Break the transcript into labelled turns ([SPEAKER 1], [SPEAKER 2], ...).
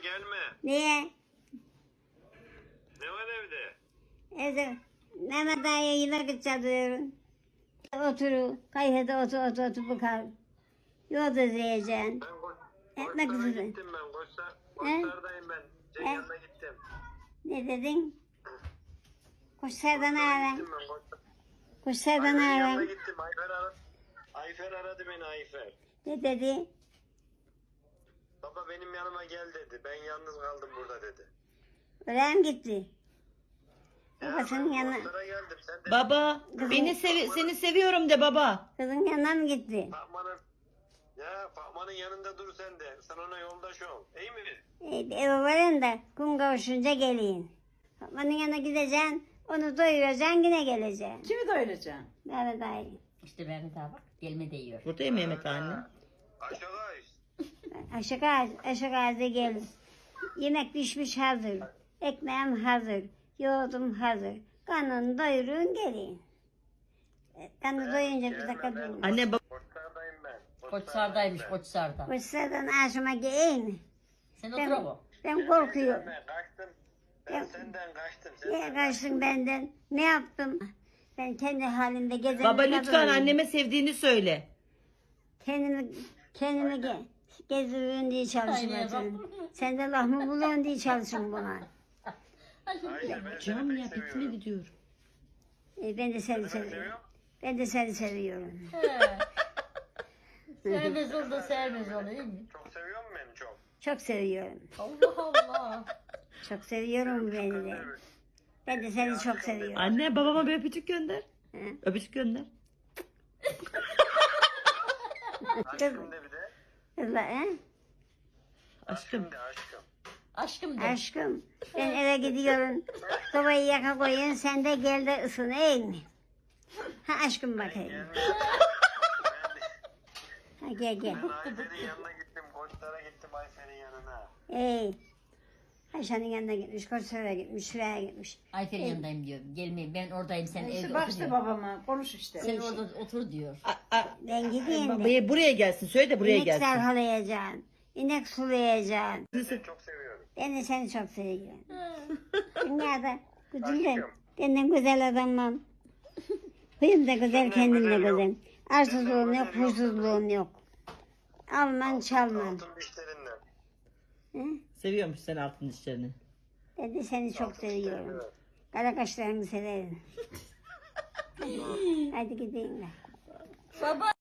[SPEAKER 1] gelme.
[SPEAKER 2] Niye?
[SPEAKER 1] Ne var evde?
[SPEAKER 2] Evde Mehmet Ağa'ya yemek çalıyorum. Otur, kayfede otur bakar. Yolda izleyeceksin.
[SPEAKER 1] Ben
[SPEAKER 2] Ekmek
[SPEAKER 1] Koçlar'a
[SPEAKER 2] üzere.
[SPEAKER 1] gittim ben. Koçlar'dayım ben. Ceyhan'a gittim.
[SPEAKER 2] Ne dedin? Kuşlardan ağlam.
[SPEAKER 1] Gittim ben Koçlar.
[SPEAKER 2] Kuşlardan
[SPEAKER 1] Ayfer'in yanına
[SPEAKER 2] ağlam.
[SPEAKER 1] gittim. Ayfer aradı beni Ayfer.
[SPEAKER 2] Ne dedi?
[SPEAKER 1] Baba benim yanıma gel dedi. Ben yalnız kaldım burada dedi.
[SPEAKER 2] Oraya mı gitti?
[SPEAKER 1] Ya
[SPEAKER 2] Babasının
[SPEAKER 1] ben
[SPEAKER 2] yanına,
[SPEAKER 1] Koçlar'a geldim. Sen de
[SPEAKER 3] Baba seni seviyorum de baba.
[SPEAKER 2] kızın yanına mı gitti?
[SPEAKER 1] Fatma'nın yanında dur sen de. Sen ona yoldaş ol. İyi mi?
[SPEAKER 2] Eve varın da kum kavuşunca gelin. Fatma'nın yanına gideceksin, onu doyuracaksın, yine geleceksin.
[SPEAKER 4] Kimi doyuracaksın?
[SPEAKER 2] Mehmet Ağa'yı.
[SPEAKER 5] İşte Mehmet abi bak gelme değiyor.
[SPEAKER 3] Buradayım Mehmet anne.
[SPEAKER 1] Aşağı
[SPEAKER 2] Aşık ağzı gelin. Yemek pişmiş hazır. Ekmeğim hazır. Yoğurdum hazır. Karnını doyurun gelin. Karnı doyunca bir dakika durun.
[SPEAKER 3] Anne baba.
[SPEAKER 1] Koçlar'dayım ben.
[SPEAKER 5] Koçsar'daymış Koçsar'da.
[SPEAKER 2] Koçlardan aşıma gelin.
[SPEAKER 5] Sen otur ama.
[SPEAKER 2] Ben korkuyorum.
[SPEAKER 1] Ben kaçtım. Ben senden kaçtım.
[SPEAKER 2] Niye kaçtın benden? Ne yaptım? Ben kendi halimde gezen
[SPEAKER 3] Baba
[SPEAKER 2] bir
[SPEAKER 3] lütfen
[SPEAKER 2] kadınım.
[SPEAKER 3] anneme sevdiğini söyle.
[SPEAKER 2] Kendimi gezdiriyorsun diye çalışmadım. Sen de laf mı buluyorsun diye çalışın buna.
[SPEAKER 1] Hayır ben
[SPEAKER 3] Cam
[SPEAKER 1] seni
[SPEAKER 3] ya
[SPEAKER 1] pek
[SPEAKER 3] bitme
[SPEAKER 1] seviyorum.
[SPEAKER 3] gidiyor.
[SPEAKER 2] Ben de seni
[SPEAKER 1] Seni
[SPEAKER 2] seviyorum.
[SPEAKER 1] seviyorum.
[SPEAKER 2] Ben de seni seviyorum.
[SPEAKER 5] Sevmez ol da sevmez ol değil mi?
[SPEAKER 1] Çok seviyor musun beni çok?
[SPEAKER 2] Çok seviyorum.
[SPEAKER 5] Allah Allah.
[SPEAKER 2] Çok seviyorum beni de. Ben de seni çok seviyorum.
[SPEAKER 3] Anne babama bir öpücük gönder.
[SPEAKER 2] Hı?
[SPEAKER 3] Öpücük gönder.
[SPEAKER 1] Aşkım de bir de.
[SPEAKER 2] Kızla, he?
[SPEAKER 3] Aşkım.
[SPEAKER 1] De aşkım.
[SPEAKER 5] Aşkım de.
[SPEAKER 2] Aşkım, ben eve gidiyorum. Sobayı yaka koyun, sen de gel de ısın, iyi mi? Ha aşkım bakayım. Ha gel gel.
[SPEAKER 1] Ben Ayfer'in yanına gittim. Koçlar'a gittim Ayfer'in yanına.
[SPEAKER 2] Ey. Ayşe'nin yanına gitmiş, Koçlar'a gitmiş, şuraya gitmiş.
[SPEAKER 5] Ayfer'in yanındayım diyor. Gelmeyin ben oradayım sen
[SPEAKER 4] İşte
[SPEAKER 5] evde
[SPEAKER 4] bak
[SPEAKER 5] otur
[SPEAKER 4] işte
[SPEAKER 5] diyor.
[SPEAKER 4] babama konuş işte.
[SPEAKER 5] Sen orada otur diyor.
[SPEAKER 2] Ben gideyim de.
[SPEAKER 3] Buraya gelsin. Söyle de buraya
[SPEAKER 2] İnek
[SPEAKER 3] gelsin.
[SPEAKER 2] sarhalayacaksın. İnek sulayacaksın.
[SPEAKER 1] Seni çok seviyorum.
[SPEAKER 2] Ben de seni çok seviyorum. Dünyada güzelim. Benden güzel adamım. Huyum da güzel, kendim de güzel. Arsızlığım yok, huysuzluğum yok. Alman çalmam.
[SPEAKER 1] Altın dişlerinden.
[SPEAKER 2] Hı?
[SPEAKER 3] Seviyormuş sen altın dişlerini.
[SPEAKER 2] Ben de seni çok seviyorum. Kara kaşlarını severim. Hadi gideyim ben.
[SPEAKER 5] Baba.